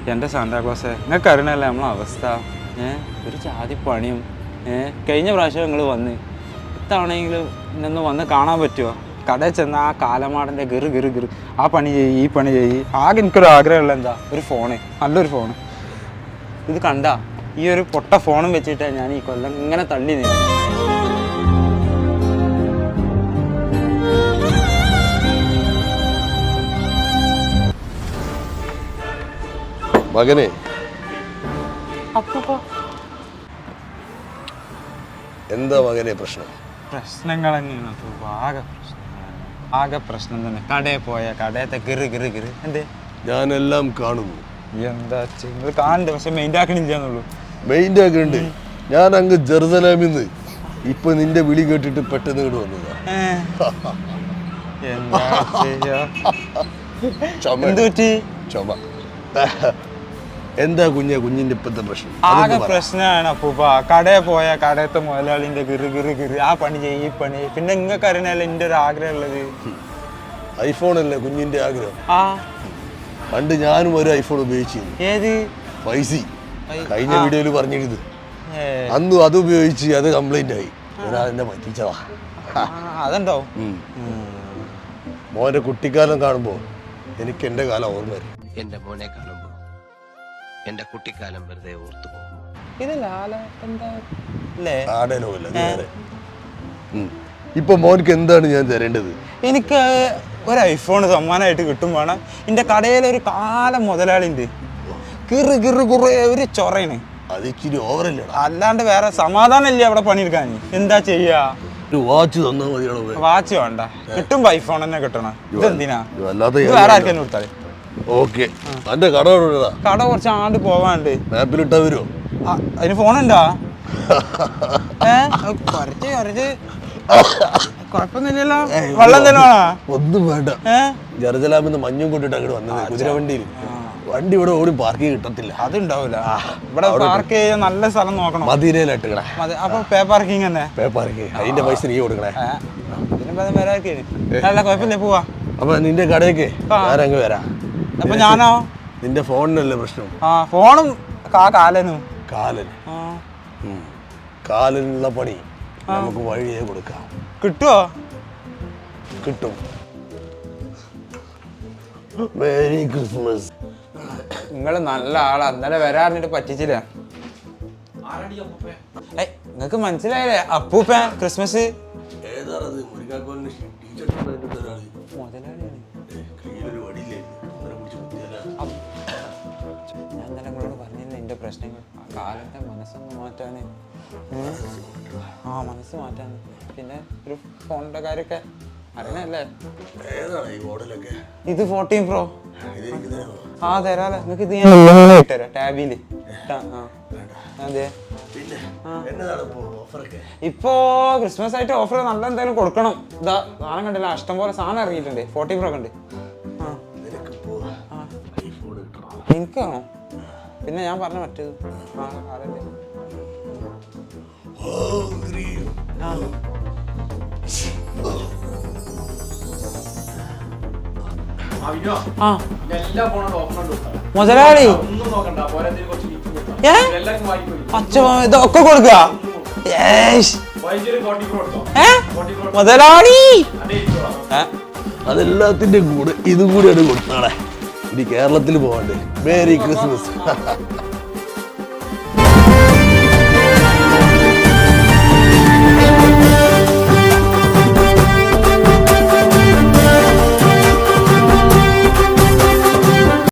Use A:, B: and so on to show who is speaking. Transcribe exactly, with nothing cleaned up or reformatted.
A: എൻ്റെ സാന്താക്ലോസേ നിങ്ങൾക്ക് അറിയണല്ലേ നമ്മളെ അവസ്ഥ. ഏഹ് ഒരു ജാതി പണിയും. ഏഹ് കഴിഞ്ഞ പ്രാവശ്യം നിങ്ങൾ വന്ന് ഇത്തവണെങ്കിലും ഇന്നൊന്ന് വന്ന് കാണാൻ പറ്റുമോ? കടയിൽ ചെന്ന ആ കാലമാടൻ്റെ ഗിറ് ഗിറ് ഗിറ് ആ പണി ചെയ്യ് ഈ പണി ചെയ്യ്. ആകെ എനിക്കൊരു ആഗ്രഹമുള്ള എന്താ, ഒരു ഫോണ്, നല്ലൊരു ഫോണ്. ഇത് കണ്ട ഈ ഒരു പൊട്ട ഫോണും വെച്ചിട്ടാണ് ഞാൻ ഈ കൊല്ലം ഇങ്ങനെ തള്ളി നീ.
B: മകനെ, എന്താ മകനെ പ്രശ്നം?
A: പ്രശ്നങ്ങൾ തന്നെയാണ്. ആകെ പ്രശ്നങ്ങൾ, ആകെ പ്രശ്നം തന്നെ. കടയിൽ പോയ കടയത്തെ ഗിറ് ഗിറ് ഗിറ് എന്തേ
B: ഞാനെല്ലാം കാണുന്നു.
A: എന്താ നിങ്ങൾ കാണണ്ടേ, പക്ഷെ മെയിൻ്റെ ആക്കണില്ലാന്നുള്ളൂ.
B: മെയിൻ്റെ ആക്കുന്നുണ്ട്. ഞാൻ അങ്ങ് ജെറുസലേമിന്ന് ഇപ്പൊ നിന്റെ വിളി കേട്ടിട്ട് പെട്ടെന്ന് ഇങ്ങോട്ട് വന്നതാ.
A: എന്താ
B: ചുമ. എന്താ കുഞ്ഞെ കുഞ്ഞിന്റെ ഇപ്പത്തെ പ്രശ്നം?
A: ആകെ പ്രശ്നമാണ് അപ്പൂപ്പ. കടയിൽ പോയ കടയത്തെ മുതലാളിന്റെ ഗിറ് ഗിറ് ഗിറ് ആ പണി ചെയ്യ് ഈ പണി. പിന്നെ നിങ്ങൾക്ക് അറിയണല്ലേ എൻ്റെ ഒരു ആഗ്രഹം ഉള്ളത്
B: ഐഫോൺ അല്ലേ കുഞ്ഞിന്റെ ആഗ്രഹം?
A: ആ
B: പണ്ട് ഞാനും ഒരു ഐഫോൺ ഉപയോഗിച്ചിരുന്നു.
A: ഏത്
B: ഫൈവ് ജി. കഴിഞ്ഞ വീഡിയോയില് പറഞ്ഞിരുന്നു. അന്നും അത് ഉപയോഗിച്ച് അത് കംപ്ലൈന്റ് ആയി. ഞാൻ എന്നെ പറ്റിച്ചതാ.
A: അതുണ്ടാവും.
B: മോന്റെ കുട്ടിക്കാലം കാണുമ്പോ എനിക്ക് എന്റെ കാലം ഓർമ്മ വരും.
C: എന്റെ മോനെ കാണുമ്പോ എന്റെ കുട്ടിക്കാലം വെറുതെ ഓർത്തു പോകും.
B: ഇപ്പൊ മോനക്ക് എന്താണ് ഞാൻ തരേണ്ടത്?
A: എനിക്ക് ഒരു ഐഫോൺ സമ്മാനമായിട്ട് കിട്ടും വേണം. എന്റെ കടയിലൊരു കാലം മുതലാളിണ്ട്. കിറ് കിറ് കുറേ ഒരു ചൊറയാണ്.
B: അത് ഇച്ചിരി ഓവറല്ലേ?
A: അല്ലാണ്ട് വേറെ സമാധാനം ഇല്ല അവിടെ പണിയെടുക്കാൻ. എന്താ ചെയ്യാ?
B: വാച്ച് തന്നാ മതിയാണോ?
A: വാച്ച് വേണ്ട, കിട്ടുമ്പോ ഐഫോൺ തന്നെ കിട്ടണം. ഇതെന്തിനാ? വേറെ ആർക്കെന്നെ കൊടുത്താൽ
B: ഓക്കെ. തന്റെ കട
A: കട കുറച്ച് ആണ്ട് പോവാണ്ട്.
B: മാപ്പിലിട്ടാ വരുമോ?
A: അതിന് ഫോണുണ്ടാ? ഏഹ് കുറച്ച് കുറച്ച് കുഴപ്പമൊന്നുമില്ലല്ലോ. വെള്ളം തന്നെ വേണോ?
B: ഒന്നും വേണ്ട. ജെറുസലേമിന്ന് മഞ്ഞും കൊണ്ടിട്ട് അങ്ങോട്ട് വന്നത് കുതിരവണ്ടിയിൽ. വണ്ടി ഇവിടെ ഓടി പാർക്ക് കിട്ടത്തില്ല.
A: അതുണ്ടാവില്ല. ഇവിടെ പാർക്ക് ചെയ്യാൻ നല്ല സ്ഥലം നോക്കണം.
B: മദീനയിലിട്ടേ.
A: അപ്പൊ പേ പാർക്കിംഗ് തന്നെ.
B: പേ പാർക്കിംഗ് അതിന്റെ പൈസ നീ കൊടുക്കണേ.
A: അല്ല കുഴപ്പമില്ല, പോവാ.
B: അപ്പൊ നിന്റെ കടയൊക്കെ ഞാനങ്ങ് വരാം.
A: അപ്പൊ ഞാനോ?
B: നിന്റെ ഫോണിനല്ലേ പ്രശ്നം?
A: ആ ഫോണും കാലനും.
B: കാലന് കാലനുള്ള പണി നമുക്ക് വഴിയേ കൊടുക്കാം.
A: കിട്ടുവോ?
B: കിട്ടും. Merry Christmas.
A: നിങ്ങള് നല്ല ആളാ. ഇന്നലെ വരാറിട്ട് പറ്റിച്ചില്ല. നിങ്ങക്ക് മനസ്സിലായില്ലേ അപ്പൂപ്പ ക്രിസ്മസ്? ഞാൻ ഇന്നലെ നിങ്ങളോട് പറഞ്ഞില്ല എന്റെ പ്രശ്നങ്ങൾ. ആ കാലത്തെ മനസ്സൊന്ന് മാറ്റാന്. ആ മനസ്സ് മാറ്റാന്. പിന്നെ ഒരു ഫോണിന്റെ കാര്യമൊക്കെ അറിയണല്ലേ? ഇത് ഫോർട്ടീൻ പ്രോ. ആ തരാല്ലേ. നിങ്ങക്ക് ഇത് ഞാൻ തരാം ടാബില്. അതെ. ഇപ്പോ ക്രിസ്മസ് ആയിട്ട് ഓഫർ നല്ല എന്തായാലും കൊടുക്കണം. ഇതാ സാധനം കണ്ടില്ല, ഇഷ്ടം പോലെ സാധനം ഇറങ്ങിയിട്ടുണ്ട്. ഫോർട്ടീൻ പ്രോ കണ്ട്. എനിക്കാണോ? പിന്നെ ഞാൻ പറഞ്ഞ മറ്റേത് ആ കാലല്ലേ. മുതലാളി ഇതൊക്കെ കൊടുക്ക മുതലാളി.
B: അതെല്ലാത്തിന്റെ കൂടെ ഇതും കൂടെയാണ് കൊടുത്താളെ. ഇനി കേരളത്തിൽ പോകണ്ടേ? Merry Christmas.